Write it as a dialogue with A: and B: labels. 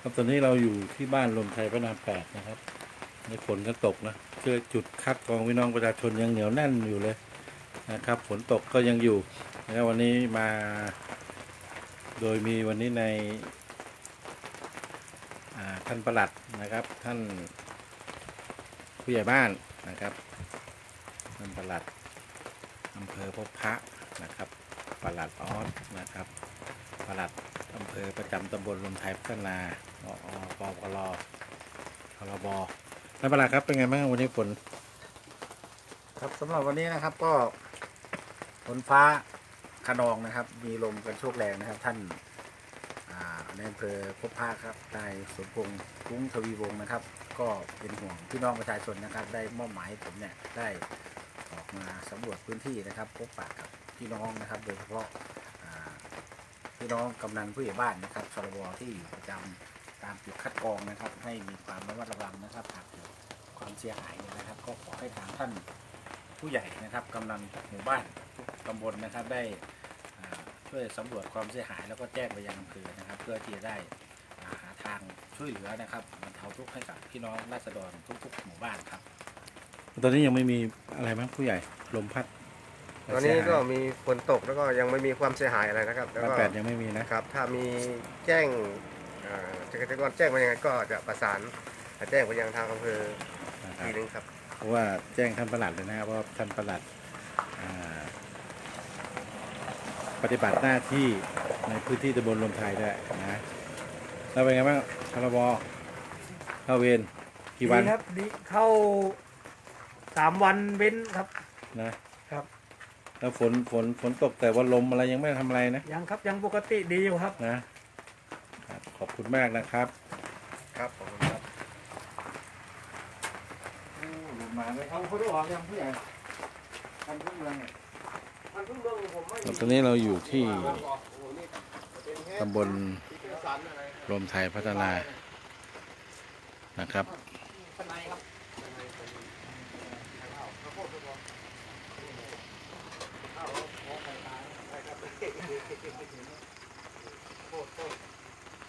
A: ครับตอนนี้เราอยู่ที่บ้านลมไทยพระราม8นะครับในฝนก็ตกนะคือจุดคัดกรองพี่น้องประชาชนยังเหนียวแน่นอยู่เลยนะครับฝนตกก็ยังอยู่นะครับวันนี้มาโดยมีวันนี้ในท่านปลัดนะครับท่านผู้ใหญ่บ้านนะครับท่านปลัดอำเภอพบพระนะครับปลัดออสนะครับปลัดอำเภอประจำตำบลลมไทยพัฒนาปปลพรบท่านปลัดครับเป็นไงบ้างวันนี้ฝนครับสำหรับวันนี้นะครับก็ฝนฟ้าคะนองนะครับมีลมกันโชกแรงนะครับท่านในอำเภอพบพระครับนายสมพงษ์กุ้งทวีวงศ์นะครับก็เป็นห่วงพี่น้องประชาชนนะครับได้มอบหมายผมเนี่ยได้ออกมาสำรวจพื้นที่นะครับพบปะกับพี่น้องนะครับโดยเฉพาะพี่น้องกำนันผู้ใหญ่บ้านนะครับชลบที่อยู่ประจำตามจุดคัดกรองนะครับให้มีความระมัดระวังนะครับหากเกิดความเสียหายนะครับก็ขอให้ทางท่านผู้ใหญ่นะครับกำนันหมู่บ้านทุกตำบลนะครับได้ช่วยสำรวจความเสียหายแล้วก็แจ้งไปยังอำเภอนะครับเพื่อที่จะได้หาทางช่วยเหลือนะครับบรรเทาทุกข์ให้กับพี่น้องราษฎรทุกๆหมู่บ้านครับตอนนี้ยังไม่มีอะไรมั้งผู้ใหญ่ลมพัด
B: ตอนนี้ก็มีฝนตกแล้วก็ยังไม่มีความเสียหายอะไรนะครับแล้วก็
A: 8ยังไม่มีนะครับ
B: ถ้ามีแจ้งเกษตรกรแจ้งมายังไงก็จะประสานแจ้งไปยังทางอำเภอทีนึงครับ
A: เพราะว่าแจ้งท่านปลัดเลยนะครับว่าท่านปลัดปฏิบัติหน้าที่ในพื้นที่ตำบลลมไทยได้นะแล้วเป็นไงบ้างพรบเข้าเวรกี่วัน
C: ครับดีเข้า3 วันเว้นครับ
A: นะครับแล้วฝนตกแต่ว่าลมอะไรยังไม่ทำอะไรนะ
C: ยังครับยังปกติดีอยู่ครับ
A: นะขอบคุณมากนะครับ
B: ครับขอบคุณครับ
A: ลมมาเลยเอาเขาด้วยออกยังผู้ใหญ่ทันทุ่งเมืองตอนนี้เราอยู่ที่ตำบลรวมไทยพัฒนานะครับ